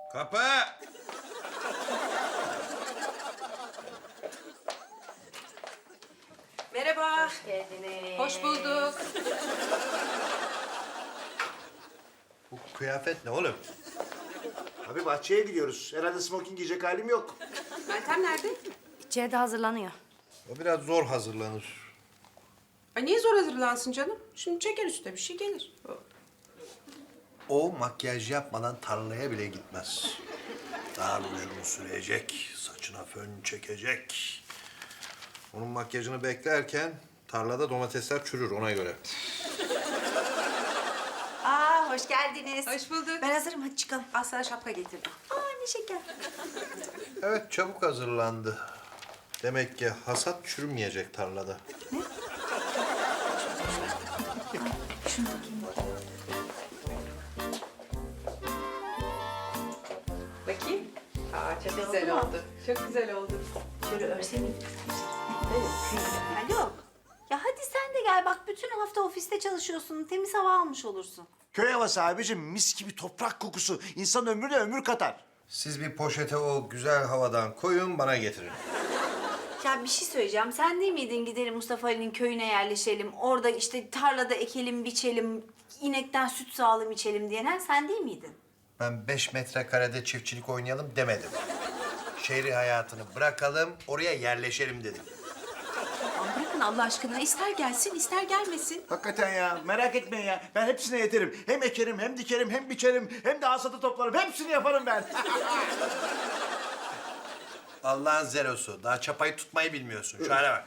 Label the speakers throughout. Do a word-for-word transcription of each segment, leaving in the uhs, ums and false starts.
Speaker 1: Kapı!
Speaker 2: Merhaba.
Speaker 3: Hoş geldiniz.
Speaker 2: Hoş bulduk.
Speaker 1: Bu kıyafet ne oğlum?
Speaker 4: Abi bahçeye gidiyoruz. Herhalde smoking giyecek halim yok.
Speaker 2: Meltem nerede?
Speaker 3: İçeride hazırlanıyor.
Speaker 1: O biraz zor hazırlanır.
Speaker 2: Ay niye zor hazırlansın canım? Şimdi çeker üstüne bir şey gelir.
Speaker 1: O makyaj yapmadan tarlaya bile gitmez. Daha rujunu sürecek, saçına fön çekecek. Onun makyajını beklerken tarlada domatesler çürür ona göre.
Speaker 3: Aa hoş geldiniz.
Speaker 2: Hoş bulduk.
Speaker 3: Ben hazırım hadi çıkalım.
Speaker 2: Al sana şapka getirdim.
Speaker 3: Aa ne şeker.
Speaker 1: Evet çabuk hazırlandı. Demek ki hasat çürümeyecek tarlada.
Speaker 3: Şunu bakayım.
Speaker 2: Bakayım. Aa çok
Speaker 3: Güzel
Speaker 2: güzel
Speaker 3: oldu mu?
Speaker 2: oldu. Çok güzel oldu.
Speaker 3: Şöyle örse miyim? Alo. Ya hadi sen de gel bak bütün hafta ofiste çalışıyorsun. Temiz hava almış olursun.
Speaker 4: Köy havası abicim, mis gibi toprak kokusu. İnsan ömrüne ömür katar.
Speaker 1: Siz bir poşete o güzel havadan koyun bana getirin.
Speaker 3: Ya bir şey söyleyeceğim. Sen değil miydin gidelim Mustafa Ali'nin köyüne yerleşelim. Orada işte tarlada ekelim, biçelim, inekten süt sağalım, içelim diyen sen değil miydin?
Speaker 1: Ben beş metrekarede çiftçilik oynayalım demedim. Şehri hayatını bırakalım, oraya yerleşelim dedim.
Speaker 2: Aman bırakın Allah aşkına. İster gelsin ister gelmesin.
Speaker 4: Hakikaten ya, merak etmeyin ya. Ben hepsine yeterim. Hem ekerim, hem dikerim, hem biçerim, hem de hasatı toplarım. Hepsini yaparım ben.
Speaker 1: Allah'ın zerosu. Daha çapayı tutmayı bilmiyorsun. Şu hale bak.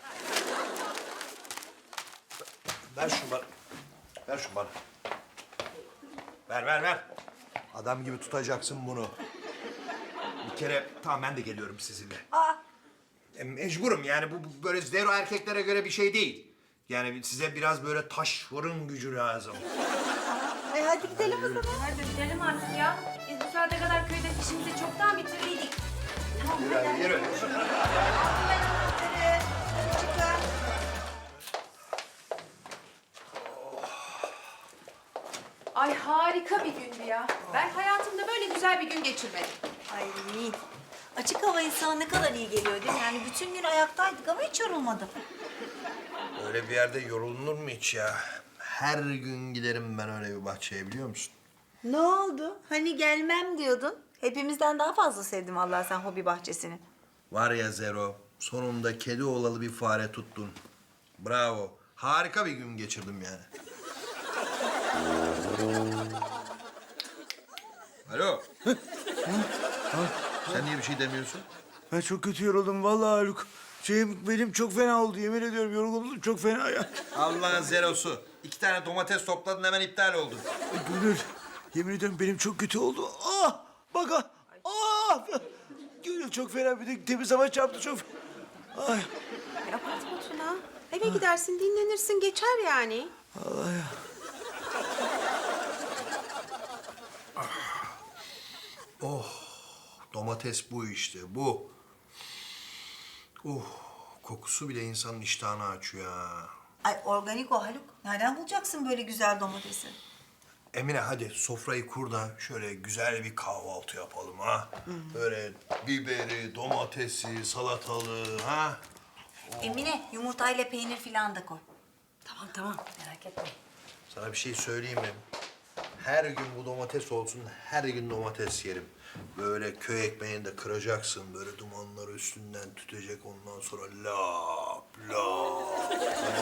Speaker 1: Ver şunu bana. Ver şunu bana. Ver, ver, ver. Adam gibi tutacaksın bunu. Bir kere, tamam ben de geliyorum sizinle.
Speaker 3: Aa.
Speaker 1: E, mecburum yani bu, bu böyle zero erkeklere göre bir şey değil. Yani size biraz böyle taş fırın gücü lazım.
Speaker 3: E hadi gidelim o zaman. Hadi gidelim artık ya. Biz bu saate kadar köyde işimizi çoktan bitirdiydik. Tamam
Speaker 1: Yürü hadi, yürü.
Speaker 3: ben anahtarı. Hadi çıkın.
Speaker 2: Ay harika bir gündü ya. Ben hayatımda böyle güzel bir gün geçirmedim.
Speaker 3: Ay açık hava insana ne kadar iyi geliyor değil mi? Yani bütün gün ayaktaydık ama hiç yorulmadım.
Speaker 1: Öyle bir yerde yorulunur mu hiç ya? Her gün giderim ben öyle bir bahçeye biliyor musun?
Speaker 3: Ne oldu? Hani gelmem diyordun. Hepimizden daha fazla sevdim vallahi sen hobi bahçesini.
Speaker 1: Var ya Zero, sonunda kedi oğlalı bir fare tuttun. Bravo. Harika bir gün geçirdim yani. Alo. Sen niye bir şey demiyorsun?
Speaker 4: Ben çok kötü yoruldum vallahi Haluk. Şeyim benim çok fena oldu, yemin ediyorum yorgunluk çok fena ya.
Speaker 1: Allah'ın zerosu. İki tane domates topladın hemen iptal oldun.
Speaker 4: Gönül, yemin ediyorum benim çok kötü oldu. Ah! Bak ah! Ah! Gönül çok fena, bir de temiz hava çarptı çok. Ay!
Speaker 2: Ya abartma Tuna. Eve gidersin dinlenirsin geçer yani.
Speaker 4: Allah ya.
Speaker 1: Domates bu işte, bu. Uh, kokusu bile insanın iştahını açıyor ha.
Speaker 3: Ay organik o Haluk. Nereden bulacaksın böyle güzel domatesi?
Speaker 1: Emine hadi sofrayı kur da şöyle güzel bir kahvaltı yapalım ha. Böyle biberi, domatesi, salatalığı ha.
Speaker 3: Emine yumurtayla peynir filan da koy.
Speaker 2: Tamam tamam.
Speaker 3: Merak etme.
Speaker 1: Sana bir şey söyleyeyim mi? Her gün bu domates olsun, her gün domates yerim. Böyle köy ekmeğini de kıracaksın, böyle dumanları üstünden tütecek ondan sonra lap lap.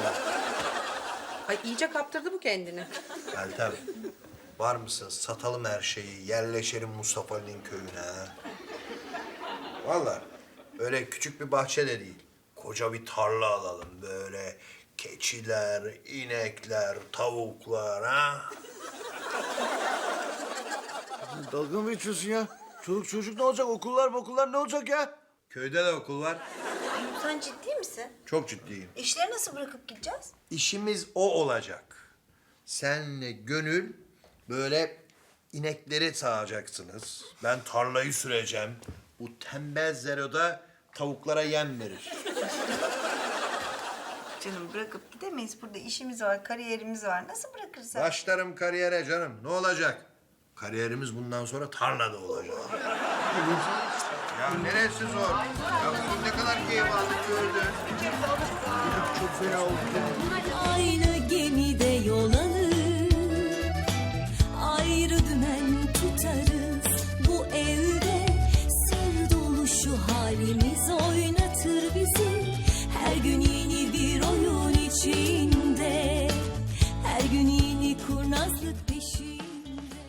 Speaker 2: Ay iyice kaptırdı bu kendini.
Speaker 1: Meltem, var mısın? Satalım her şeyi, yerleşelim Mustafa Ali'nin köyüne ha. Vallahi öyle küçük bir bahçe de değil. Koca bir tarla alalım böyle. Keçiler, inekler, tavuklar ha.
Speaker 4: Dalga mı geçiyorsun ya? Çoluk çocuk ne olacak? Okullar okullar ne olacak ya?
Speaker 1: Köyde de okul var.
Speaker 3: Haluk sen ciddi misin?
Speaker 1: Çok ciddiyim.
Speaker 3: İşleri nasıl bırakıp gideceğiz?
Speaker 1: İşimiz o olacak. Senle Gönül böyle inekleri sağacaksınız. Ben tarlayı süreceğim. Bu tembel Zero'da tavuklara yem verir.
Speaker 3: Canım bırakıp gidemeyiz. Burada işimiz var, kariyerimiz var. Nasıl bırakırız?
Speaker 1: Başlarım kariyere canım. Ne olacak? Kariyerimiz bundan sonra tarlada olacak. Ya neresi zor? Ya bugün ne kadar keyif aldık gördün.
Speaker 4: Çok fena oldu.
Speaker 5: Aynı gemide yol alır, ayrı dümen tutarız. Bu evde sır dolu şu halimiz oynatır bizi. Her gün